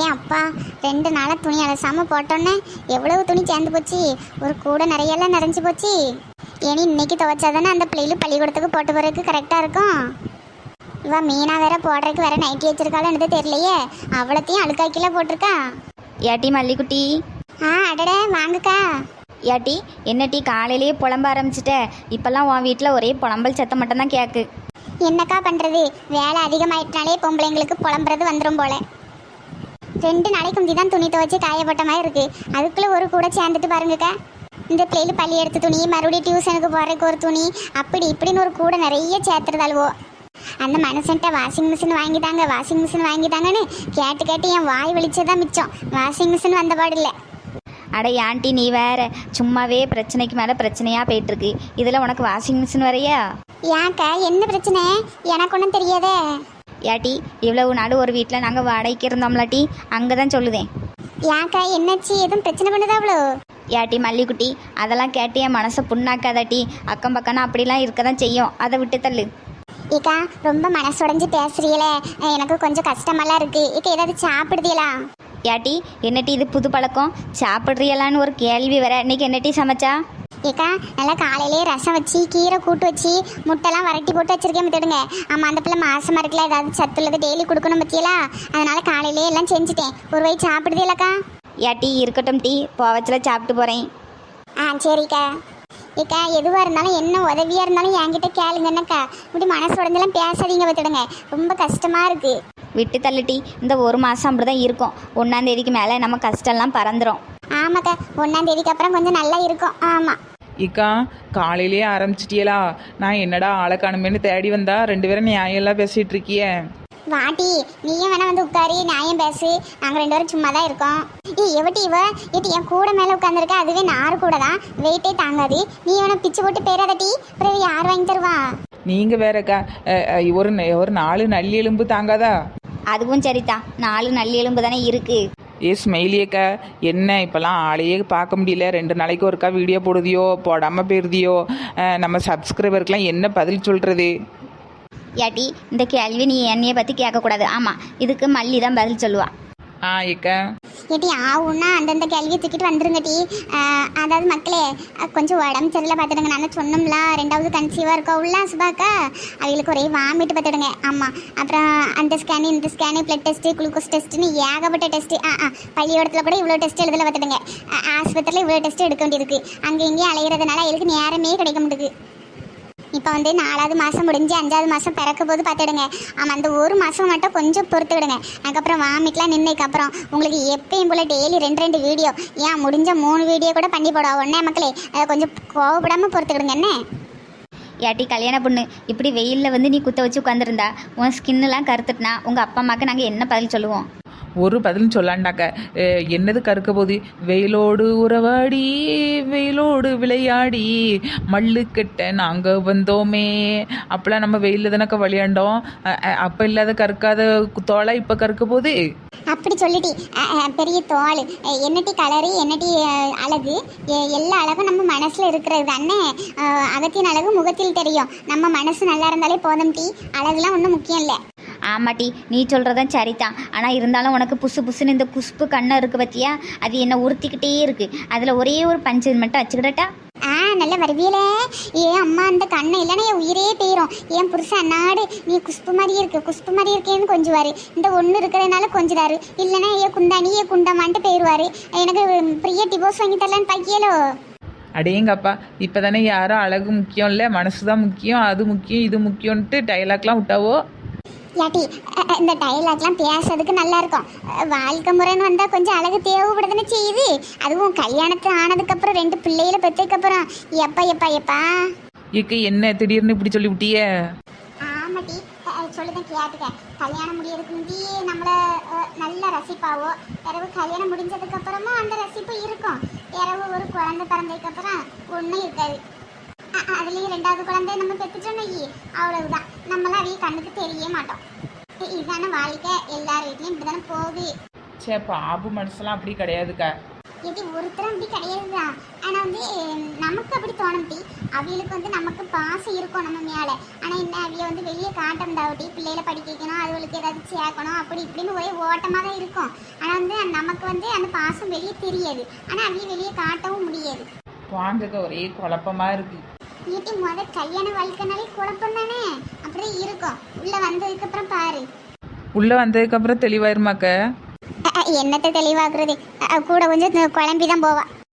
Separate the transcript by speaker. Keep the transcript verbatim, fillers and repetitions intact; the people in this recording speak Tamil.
Speaker 1: ஏன் அப்பா, ரெண்டு நாளாக துணி அலசாமல் போட்டோன்னே எவ்வளவு துணி சேர்ந்து போச்சு. ஒரு கூட நிறையெல்லாம் நிறைஞ்சு போச்சு. இனி இன்னைக்கு துவைச்சாதானே அந்த பிள்ளைகளும் பள்ளிக்கூடத்துக்கு போட்டு போகிறதுக்கு கரெக்டாக இருக்கும். இவ மீனா வேற போடுறதுக்கு வேற நைட்டி வச்சிருக்காளுன்னு தெரியலையே. அவ்வளோத்தையும் அழுக்காக்கில போட்டிருக்கா.
Speaker 2: ஏட்டி மல்லிக்குட்டி.
Speaker 1: ஆ அடட வாங்குக்கா.
Speaker 2: ஏட்டி என்ன டீ காலையிலேயே புலம்ப ஆரம்பிச்சிட்ட? இப்போல்லாம் உன் வீட்டில் ஒரே புலம்பல் சத்தம் மட்டும்தான் கேட்கு.
Speaker 1: என்னக்கா பண்ணுறது, வேலை அதிகமாயிட்டனாலே பொம்பளைங்களுக்கு புலம்புறது வந்துடும் போல. ரெண்டு நாளைக்கு முந்தி தான் துணி துவைச்சி காயப்பட்ட மாதிரி இருக்குது. அதுக்குள்ளே ஒரு கூட சேர்ந்துட்டு பாருங்கக்கா. இந்த பிள்ளைகள் பள்ளி எடுத்த துணி, மறுபடியும் டியூஷனுக்கு போகிறதுக்கு ஒரு துணி, அப்படி இப்படின்னு ஒரு கூட நிறைய சேர்த்துறதாளுவோ. அந்த மனுஷன்ட்ட வாஷிங் மிஷின் வாங்கிட்டாங்க வாஷிங் மிஷின் வாங்கிட்டாங்கன்னு கேட்டு கேட்டு என் வாய் வெளிச்சதான் மிச்சம். வாஷிங் மிஷின் வந்த பாடு இல்லை.
Speaker 2: அட ஆண்டி நீ வேற சும்மாவே பிரச்சனைக்கு மேலே பிரச்சனையாக போயிட்டுருக்கு. இதில் உனக்கு வாஷிங் மிஷின் வரையா?
Speaker 1: ஏன்க்கா என்ன பிரச்சனை? எனக்கு ஒன்றும் தெரியாதே.
Speaker 2: ஏட்டி இவ்வளவு நாடு ஒரு வீட்டில் நாங்கள் வாடகைக்கு இருந்தோம்லாட்டி அங்கே தான் சொல்லுதேன்.
Speaker 1: ஏன்க்கா என்னாச்சு? எதுவும் பிரச்சனை பண்ணுதா அவ்வளோ?
Speaker 2: ஏட்டி மல்லிக்குட்டி அதெல்லாம் கேட்டு என் மனசை புண்ணாக்காதாட்டி. அக்கம் பக்கம்னா அப்படிலாம் இருக்க தான் செய்யும். அதை விட்டு தள்ளு.
Speaker 1: ஏக்கா ரொம்ப மனசுடைஞ்சு பேசுறீங்களே, எனக்கு கொஞ்சம் கஷ்டமெல்லாம் இருக்கு. ஏக்கா ஏதாவது சாப்பிடுதீங்களா?
Speaker 2: ஏட்டி என்னட்டி இது புது பழக்கம்? சாப்பிட்றியலான்னு ஒரு கேள்வி வேற. இன்னைக்கு என்னட்டி சமைச்சா?
Speaker 1: ஏக்கா நல்லா காலையிலே ரசம் வச்சு கீரை கூட்டு வச்சு முட்டைலாம் வரட்டி போட்டு வச்சிருக்கேன் பார்த்துடுங்க. ஆமாம் அந்த பிள்ளை மாசமாக இருக்கல, ஏதாவது சத்துள்ளது டெய்லி கொடுக்கணும் பற்றியலா, அதனால காலையிலே எல்லாம் செஞ்சுட்டேன். ஒரு வயசு சாப்பிடுதீங்களக்கா?
Speaker 2: ஏட்டி இருக்கட்டும் டீ போவச்சில் சாப்பிட்டு போகிறேன்.
Speaker 1: ஆ சரிக்கா. ஏக்கா எதுவாக இருந்தாலும் என்ன உதவியாக இருந்தாலும் என்கிட்ட கேளுங்கன்னக்கா. இப்படி மனசு உடஞ்செல்லாம் பேசாதீங்க பார்த்துடுங்க, ரொம்ப கஷ்டமாக இருக்குது.
Speaker 2: விட்டு தள்ளிட்டி. இந்த ஒரு மாதம் அப்படி தான் இருக்கும். ஒன்றாம் தேதிக்கு மேலே நம்ம கஷ்டம்லாம் பறந்துடும்.
Speaker 1: ஆமாக்கா, ஒன்றாம் தேதிக்கு அப்புறம் கொஞ்சம் நல்லா இருக்கும். ஆமாம்
Speaker 3: இக்கா காலையிலேயே ஆரம்பிச்சிட்டியலா? நான் என்னடா ஆளை காணுமேன்னு தேடி வந்தா ரெண்டு பேரும் நியாயம்லாம் பேசிகிட்டு இருக்கியே.
Speaker 1: வாட்டி நீயும் வேணா வந்து உட்காரி நியாயம் பேசு. நாங்கள் ரெண்டு பேரும் சும்மா தான் இருக்கோம். ஏ எவட்டி இவ ஏட்டி என் கூட மேலே உட்காந்துருக்க, அதுவே நார் கூட தான் வெயிட்டே தாங்காது. நீ வேணா பிச்சு போட்டு பேராதட்டி, அப்புறம் யார் வாங்கி தருவா?
Speaker 3: நீங்கள் வேறக்கா ஒரு ஒரு நாலு நல்லி எலும்பு தாங்காதா?
Speaker 2: அதுவும் சரிதான், நாலு நல்லி எலும்பு தானே இருக்குது.
Speaker 3: ஏ ஸ்மெயிலியக்கா என்ன இப்போல்லாம் ஆளையே பார்க்க முடியல. ரெண்டு நாளைக்கு ஒருக்கா வீடியோ போடுதியோ போடாமல் போயிருதியோ. நம்ம சப்ஸ்கிரைபருக்கெலாம் என்ன பதில் சொல்கிறது?
Speaker 2: ஏட்டி இந்த கேள்வி நீ என்னையை பற்றி கேட்கக்கூடாது. ஆமாம் இதுக்கு மல்லி தான் பதில் சொல்லுவா.
Speaker 3: ஆ ஏக்கா
Speaker 1: ஏட்டி ஆகுன்னா அந்தந்த கேள்வியை தூக்கிட்டு வந்துருங்கட்டி. அதாவது மக்களே கொஞ்சம் உடம்பு சரியில்லை பார்த்துடுங்க. நான் சொன்னோம்ல ரெண்டாவது கன்சீவாக இருக்கா உள்ள சுபாக்கா, அவங்களுக்கு ஒரே வாமிட்டு பார்த்துடுங்க. ஆமாம் அப்புறம் அந்த ஸ்கேனு இந்த ஸ்கேனு பிளட் டெஸ்ட்டு குளுக்கோஸ் டெஸ்ட்டுன்னு ஏகப்பட்ட டெஸ்ட்டு. ஆ ஆ பள்ளியோடத்தில் கூட இவ்வளோ டெஸ்ட் எழுதலை பார்த்துடுங்க. ஆஸ்பத்திரியில் இவ்வளோ டெஸ்ட் எடுக்க வேண்டியிருக்கு. அங்கே இங்கேயும் அலைகிறதுனால அவங்களுக்கு நேரமே கிடைக்க மாட்டேங்குது. இப்போ வந்து நாலாவது மாதம் முடிஞ்சு அஞ்சாவது மாதம் பிறக்க போது பார்த்துடுங்க. ஆமாம் அந்த ஒரு மாதம் மட்டும் கொஞ்சம் பொறுத்துக்கிடுங்க. அதுக்கப்புறம் வாமிட்லாம் நின்றுக்கப்புறம் உங்களுக்கு எப்பயும் போல் டெய்லி ரெண்டு ரெண்டு வீடியோ, ஏன் முடிஞ்ச மூணு வீடியோ கூட பண்ணி போடுவோம் ஒன்றே மக்களே. கொஞ்சம் கோவப்படாமல் பொறுத்துக்கிடுங்க. என்ன
Speaker 2: ஏட்டி கல்யாண பொண்ணு இப்படி வெயிலில் வந்து நீ குத்த வச்சு உட்காந்துருந்தா உன் ஸ்கின்னெலாம் கருத்துட்டுனா உங்கள் அப்பா அம்மாவுக்கு நாங்கள் என்ன பதில் சொல்லுவோம்?
Speaker 3: ஒரு பதிலும் சொல்லாண்டாக்க. என்னது கருக்க போது? வெயிலோடு உறவாடி வெயிலோடு விளையாடி மல்லு கெட்ட நாங்கள் வந்தோமே. அப்போலாம் நம்ம வெயிலில் தானக்க விளையாண்டோம். அப்போ இல்லாத கற்காத தோலை இப்போ கற்க போது.
Speaker 1: அப்படி சொல்லிட்டி பெரிய தோல் என்னட்டி கலரு என்னட்டி அழகு, எல்லா அழகும் நம்ம மனசில் இருக்கிறது தானே. அகத்தின் அழகு முகத்தில் தெரியும். நம்ம மனசு நல்லா இருந்தாலே போதும் டி, அழகுலாம் ஒன்றும் முக்கியம் இல்லை.
Speaker 2: ஆமாட்டி நீ சொல்கிறதான் சரிதான். ஆனால் இருந்தாலும் உனக்கு புசு புசுன்னு இந்த குஷ்பு கண்ணை இருக்குது பற்றியா, அது என்ன உறுத்திக்கிட்டே இருக்குது. அதில் ஒரே ஒரு பஞ்சு மட்டும் வச்சுக்கிட்டா.
Speaker 1: ஆ நல்ல வருவியலே. ஏன் அம்மா அந்த கண்ணை இல்லைன்னா என் உயிரே போயிடும். என் புருஷன் அண்ணாடு நீ குஷ்பு மாதிரியே இருக்கு குஷ்பு மாதிரி இருக்கேன்னு கொஞ்சுவார். இந்த ஒன்று இருக்கிறதுனால கொஞ்சிதாரு, இல்லைன்னா ஏ குந்தானி ஏ குண்டமான்ட்டு போயிடுவார். எனக்கு பிரியா டிவோர்ஸ் வாங்கி தரலான்னு பாக்கியலோ.
Speaker 3: அடேங்கப்பா இப்போ தானே யாரும் அழகு முக்கியம் இல்லை மனசு தான் முக்கியம், அது முக்கியம் இது முக்கியம்ன்ட்டு டைலாக்லாம் விட்டாவோ.
Speaker 1: யாட்டி இந்த டைலாக்லாம் பேசுறதுக்கு நல்லா இருக்கும். வாழ்க்கை முறைன்னு வந்தால் கொஞ்சம் அழகு தேவைப்படுதுன்னு செய்யுது. அதுவும் கல்யாணத்து ஆனதுக்கப்புறம் ரெண்டு பிள்ளைகளை பெற்றதுக்கப்புறம் எப்பா எப்பா எப்பா
Speaker 3: இக்கு என்ன திடீர்னு இப்படி சொல்லி விட்டிய?
Speaker 1: ஆமாட்டி சொல்லுதான் கேட்டுக்க. கல்யாணம் முடியறதுக்கு முந்தையே நம்மளை நல்லா ரசிப்பாவோ. இரவு கல்யாணம் முடிஞ்சதுக்கப்புறமா அந்த ரசிப்பு இருக்கும். இரவு ஒரு குழந்தை பிறந்ததுக்கப்புறம் ஒன்றும் இருக்காது. அதுலேயும் ரெண்டாவது குழந்தை நம்ம பெற்றுட்டோம் அவ்வளவுதான். நம்மளாம் அவைய கண்ணுக்கு தெரிய மாட்டோம். இதுதானே வாழ்க்கை, எல்லார் வீட்லையும் இப்படி தானே போகுது.
Speaker 3: சே பாபு மனசுலாம் அப்படி கிடையாதுக்கா.
Speaker 1: இது ஒருத்தரும் அப்படி கிடையாதுதான். ஆனா வந்து நமக்கு அப்படி தோணும் டி. அவியலுக்கு வந்து நமக்கு பாசம் இருக்கும் நம்ம மேல. ஆனா என்ன அவிய வந்து வெளியே காட்டம்டாவட்டி பிள்ளைகளை படிக்க வைக்கணும், அதுகளுக்கு ஏதாவது சேர்க்கணும் அப்படி இப்படின்னு ஒரே ஓட்டமாக தான் இருக்கும். ஆனா வந்து நமக்கு வந்து அந்த பாசம் வெளியே தெரியாது. ஆனா அவிய வெளியே காட்டவும் முடியாது.
Speaker 3: வாங்கக்க ஒரே குழப்பமா இருக்கு.
Speaker 1: ஏட்டி முத கல்யாண வாழ்க்கைனாலே குழப்பம் தானே, அப்படிதான் இருக்கும். உள்ள வந்ததுக்கு அப்புறம் பாரு.
Speaker 3: உள்ள வந்ததுக்கு அப்புறம் தெளிவாயிருமாக்க.
Speaker 1: அ, அ, என்னத்தை தெளிவாக்குறது, அ, கூட கொஞ்சம் குழம்பி தான் போவா.